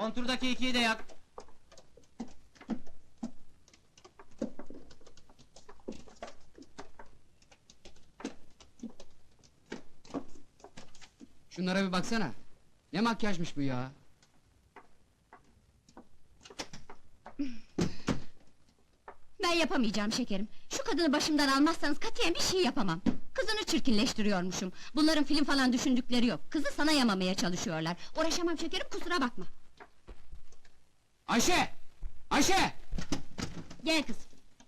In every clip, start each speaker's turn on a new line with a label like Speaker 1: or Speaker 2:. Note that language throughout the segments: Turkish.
Speaker 1: Konturdaki ikiyi de yak.
Speaker 2: Şunlara bir baksana. Ne makyajmış bu ya?
Speaker 3: Ben yapamayacağım şekerim. Şu kadını başımdan almazsanız katiyen bir şey yapamam. Kızını çirkinleştiriyormuşum. Bunların film falan düşündükleri yok. Kızı sana yamamaya çalışıyorlar. Uğraşamam şekerim, kusura bakma.
Speaker 2: Ayşe! Ayşe!
Speaker 3: Gel kız.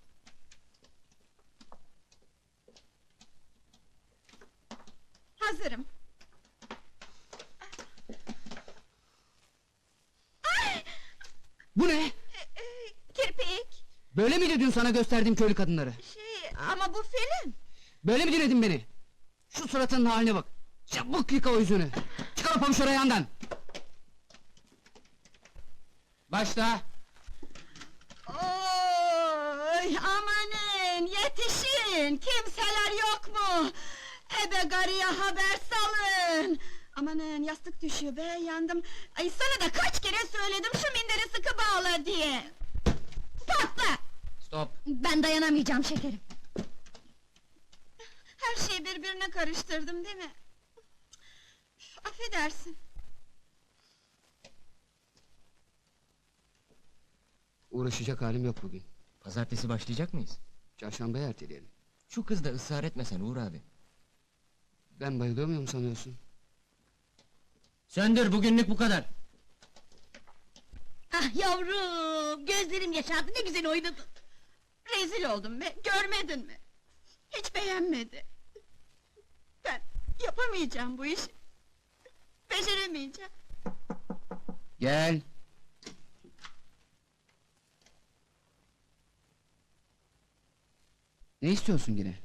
Speaker 4: Hazırım.
Speaker 2: Bu ne?
Speaker 4: Kirpik.
Speaker 2: Böyle mi dün sana gösterdiğim köylü kadınları?
Speaker 4: Ama bu film.
Speaker 2: Böyle mi dinledin beni? Şu suratının haline bak! Çabuk yıka o yüzünü! Çıkar o pabuçları ayağından! Başla!
Speaker 4: Oy, amanın, yetişin! Kimseler yok mu? Ebe garıya haber salın! Amanın, yastık düşüyor be, yandım! Ay, sana da kaç kere söyledim şu minderi sıkı bağla diye! Patla!
Speaker 2: Stop!
Speaker 3: Ben dayanamayacağım şekerim.
Speaker 4: Her şeyi birbirine karıştırdım değil mi? Üf, affedersin.
Speaker 2: Uğraşacak halim yok bugün.
Speaker 1: Pazartesi başlayacak mıyız?
Speaker 2: Çarşambaya erteleyelim.
Speaker 1: Şu kız da ısrar etmesen Uğur abi.
Speaker 2: Ben bayılıyor muyum sanıyorsun?
Speaker 1: Söndür, bugünlük bu kadar.
Speaker 3: Ah yavrum, gözlerim yaşardı, ne güzel oynadın.
Speaker 4: Rezil oldum be, görmedin mi? Hiç beğenmedi. Ben yapamayacağım bu işi. Beceremeyeceğim.
Speaker 2: Gel! Ne istiyorsun yine?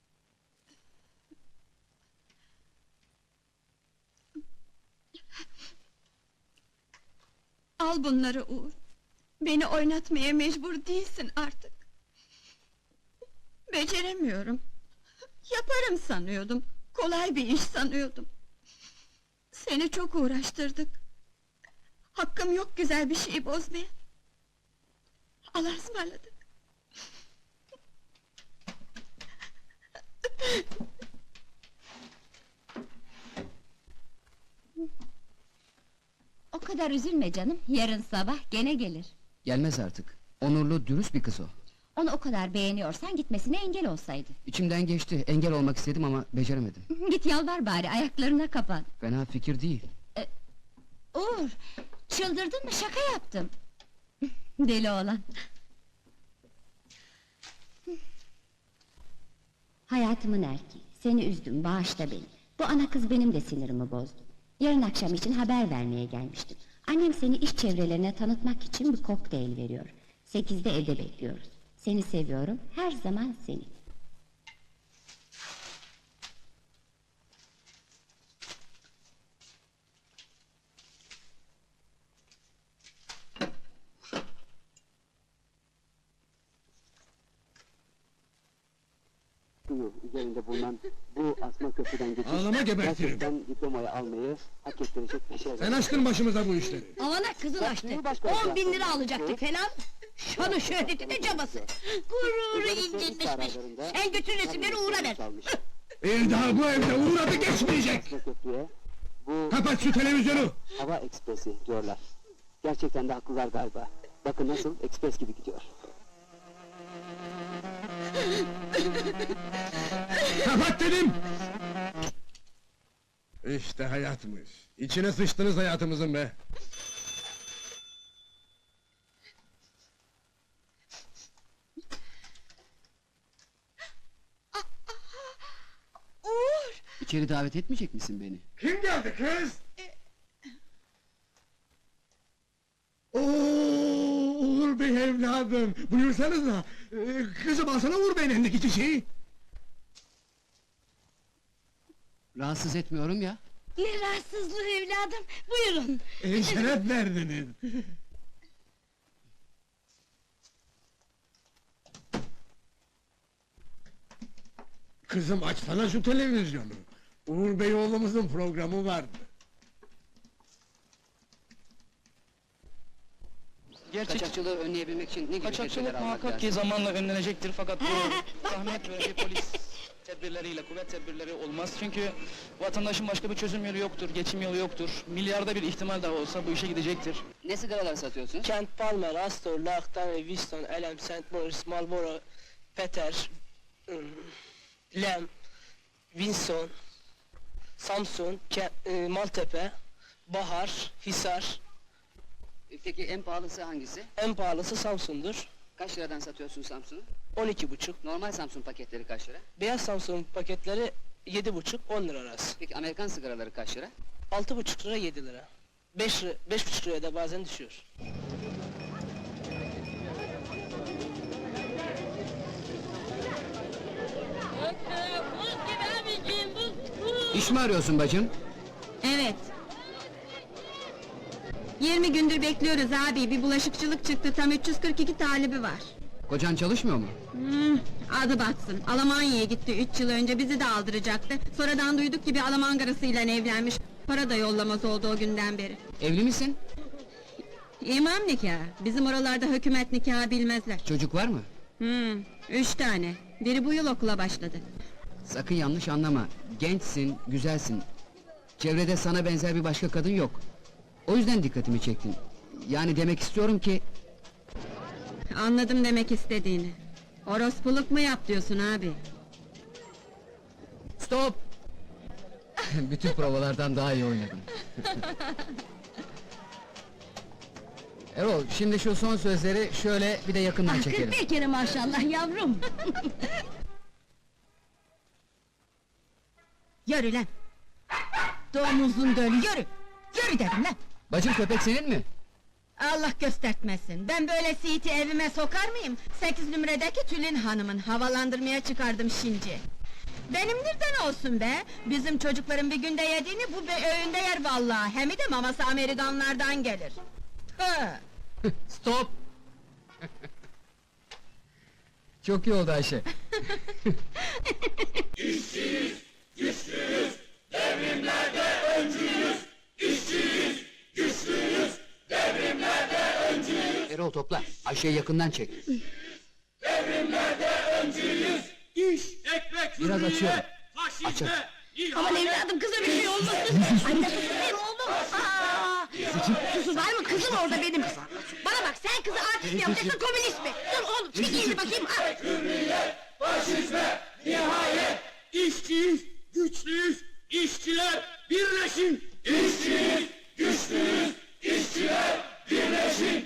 Speaker 4: Al bunları Uğur. Beni oynatmaya mecbur değilsin artık. Beceremiyorum. Yaparım sanıyordum. Kolay bir iş sanıyordum. Seni çok uğraştırdık. Hakkım yok güzel bir şeyi bozmaya. Allah'a ısmarladık.
Speaker 3: O kadar üzülme canım, yarın sabah gene gelir.
Speaker 2: Gelmez artık. Onurlu, dürüst bir kız o.
Speaker 3: Onu o kadar beğeniyorsan gitmesine engel olsaydı.
Speaker 2: İçimden geçti, engel olmak istedim ama beceremedim.
Speaker 3: Git yalvar bari, ayaklarına kapan.
Speaker 2: Fena fikir değil.
Speaker 3: Uğur, çıldırdın mı? Şaka yaptım. Deli oğlan. Hayatımın erkeği, seni üzdüm, bağışla beni. Bu ana kız benim de sinirimi bozdu. Yarın akşam için haber vermeye gelmiştim. Annem seni iş çevrelerine tanıtmak için bir kokteyl veriyor. 8'de evde bekliyoruz. Seni seviyorum, her zaman seni.
Speaker 5: Üzerinde bulunan bu asma köprüden geçiş...
Speaker 6: Ağlama gebertirim.
Speaker 5: Gerçekten diplomayı almayı hak ettirecek bir şey.
Speaker 6: Sen açtın başımıza bu işleri.
Speaker 3: Avana kızın açtı. 10.000 lira alacaktık falan. Şanı şöhreti de cabası. Gururu incinmişmiş. Sen götür resimleri Uğur'a ver.
Speaker 6: Bir daha bu evde uğradı geçmeyecek.
Speaker 5: Asma köprüye bu
Speaker 6: Kapat şu televizyonu.
Speaker 5: hava ekspresi diyorlar. Gerçekten de haklılar galiba. Bakın nasıl ekspres gibi gidiyor.
Speaker 6: Kapat dedim. İşte hayatmış. İçine sıçtınız hayatımızın be.
Speaker 4: Uğur!
Speaker 2: İçeri davet etmeyecek misin beni?
Speaker 6: Kim geldi kız? Uğur Bey evladım, buyursanıza. Kızım alsana Uğur Bey'in elindeki çiçeği.
Speaker 2: Rahatsız etmiyorum ya.
Speaker 3: Ne rahatsızlığı evladım, buyurun.
Speaker 6: Şeref verdiniz. Kızım açsana şu televizyonu. Uğur Bey oğlumuzun programı vardı.
Speaker 2: Kaçakçılığı önleyebilmek için ne gibi tedbirler
Speaker 7: Kaçakçılık
Speaker 2: almak
Speaker 7: muhakkak ki
Speaker 2: lazım?
Speaker 7: zamanla önlenecektir fakat bu zahmet ve bir polis tedbirleriyle, kuvvet tedbirleri olmaz. Çünkü vatandaşın başka bir çözüm yolu yoktur, geçim yolu yoktur. Milyarda bir ihtimal daha olsa bu işe gidecektir.
Speaker 2: Ne sigaralar satıyorsunuz?
Speaker 8: Kent Palmer, Astor, Lachtan, Winston, Elm, St. Maurice, Marlboro, Peter, Lem, Winston, Samsun, Maltepe, Bahar, Hisar.
Speaker 2: Peki en pahalısı hangisi?
Speaker 8: En pahalısı Samsun'dur.
Speaker 2: Kaç liradan satıyorsun Samsun'u?
Speaker 8: 12,5.
Speaker 2: Normal Samsun paketleri kaç lira?
Speaker 8: Beyaz Samsun paketleri 7,5-10 lira arası.
Speaker 2: Peki Amerikan sigaraları kaç lira?
Speaker 8: 6,5 lira 7 lira. 5,5 liraya da bazen düşüyor.
Speaker 2: İş mi arıyorsun bacım?
Speaker 4: Evet. 20 gündür bekliyoruz abi, bir bulaşıkçılık çıktı, tam 342 talibi var.
Speaker 2: Kocan çalışmıyor mu?
Speaker 4: Adı batsın, Almanya'ya gitti 3 yıl önce, bizi de aldıracaktı. Sonradan duyduk ki bir Alman karısıyla evlenmiş, para da yollamaz oldu o günden beri.
Speaker 2: Evli misin?
Speaker 4: İmam nikahı, bizim oralarda hükümet nikahı bilmezler.
Speaker 2: Çocuk var mı?
Speaker 4: 3 tane, biri bu yıl okula başladı.
Speaker 2: Sakın yanlış anlama. Gençsin, güzelsin. Çevrede sana benzer bir başka kadın yok. O yüzden dikkatimi çektin. Yani demek istiyorum ki...
Speaker 4: Anladım demek istediğini. Orospuluk mu yap diyorsun abi?
Speaker 2: Stop! Bütün provalardan daha iyi oynadım. Erol, şimdi şu son sözleri şöyle bir de yakından çekelim.
Speaker 4: Bir kere maşallah yavrum! Yürü lan! Domuzun dölü, yürü! Yürü dedim lan!
Speaker 2: Bacım, köpek senin mi?
Speaker 4: Allah göstertmesin, ben böyle siiti evime sokar mıyım? 8 numaradaki Tülin Hanım'ın, havalandırmaya çıkardım şimdi. Benimdirden olsun be! Bizim çocukların bir günde yediğini bu öğünde yer vallahi, hem de maması Amerikanlardan gelir. Hı.
Speaker 2: Stop! Çok iyi oldu Ayşe. Erol topla, Ayşe'yi yakından çek. Biraz açıyorum. Aç aç.
Speaker 4: Aman evladım, kıza bir şey olmasın! Anne kızım oğlum! Aa! Susun, var mı kızım orada benim? Bana bak, sen kızı artist mi yapacaksın, komünist mi? Dur oğlum, çek elini bakayım!
Speaker 6: Faşizme nihayet! İşçiyiz, güçlüyüz, işçiler birleşin! İşçiyiz, güçlüyüz,